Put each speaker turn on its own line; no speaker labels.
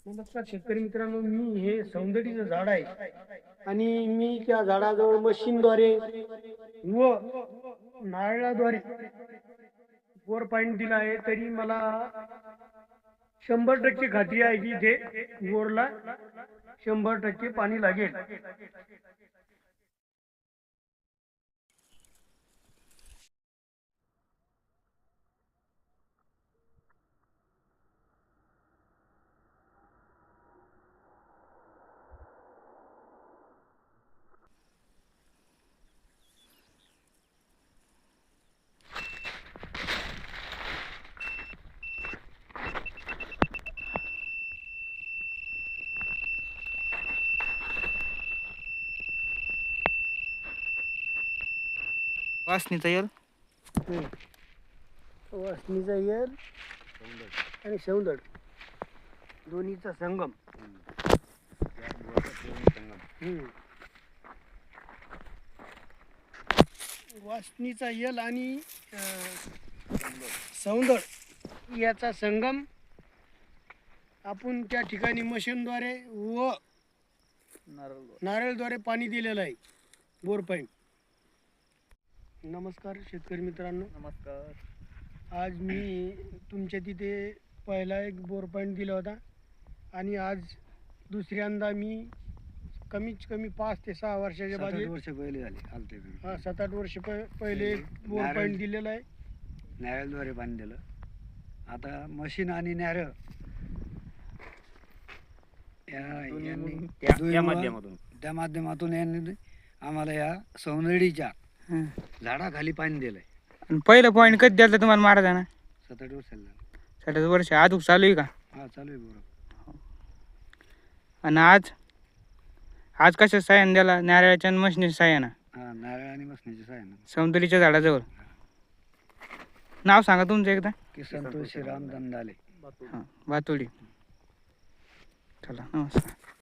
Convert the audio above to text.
नमस्कार शेतकरी मित्रांनो, मी हे सौंदर्याचं झाड आहे आणि मी त्या झाडाजवळ मशीनद्वारे व नारळाद्वारे बोर पाणी दिला आहे. तरी मला 100% खात्री आहे की इथे बोरला 100% पाणी लागेल.
वासनीचा यल
वासनीचा येल आणि सौंदड दोन्हीचा संगम. वासनीचा यल आणि सौंदड याचा संगम आपण त्या ठिकाणी मशीनद्वारे व नारळद्वारे पाणी दिलेलं आहे. Bore pipe. नमस्कार शेतकरी मित्रांनो,
नमस्कार.
आज मी तुमच्या तिथे पहिला एक बोर पॉईंट दिला होता आणि आज दुसऱ्यांदा मी कमीत कमी 5 ते 6 वर्षाच्या बाजू
7-8 वर्ष पहिले झाले आलते मी.
7-8 वर्ष पहिले एक बोर
नारळ-
पॉईंट दिलेला आहे.
नारळद्वारे पाणी दिलं. आता मशीन आणि नारळ
या माध्यमातून
त्या माध्यमातून यांनी आम्हाला या सौंदर्याच्या झाडाखाली पाणी दिलंय.
आणि पहिलं पॉईंट कधी द्यायला तुम्हाला महाराजांना?
7-8 वर्ष झालं.
60 वर्ष आजूक चालू आहे का?
हा, चालू आहे बरोबर.
आणि आज कशा साह्यानं द्याला? नारळाच्या आणि मशनीच्या साह्यानं
हा, नारळ आणि मसण्याची साय ना.
सौंदर्याच्या झाडाजवळ. नाव सांगा तुमचं एकदा.
की संतोष श्रीराम दंदाले.
हां, भातोडी. चला नमस्कार.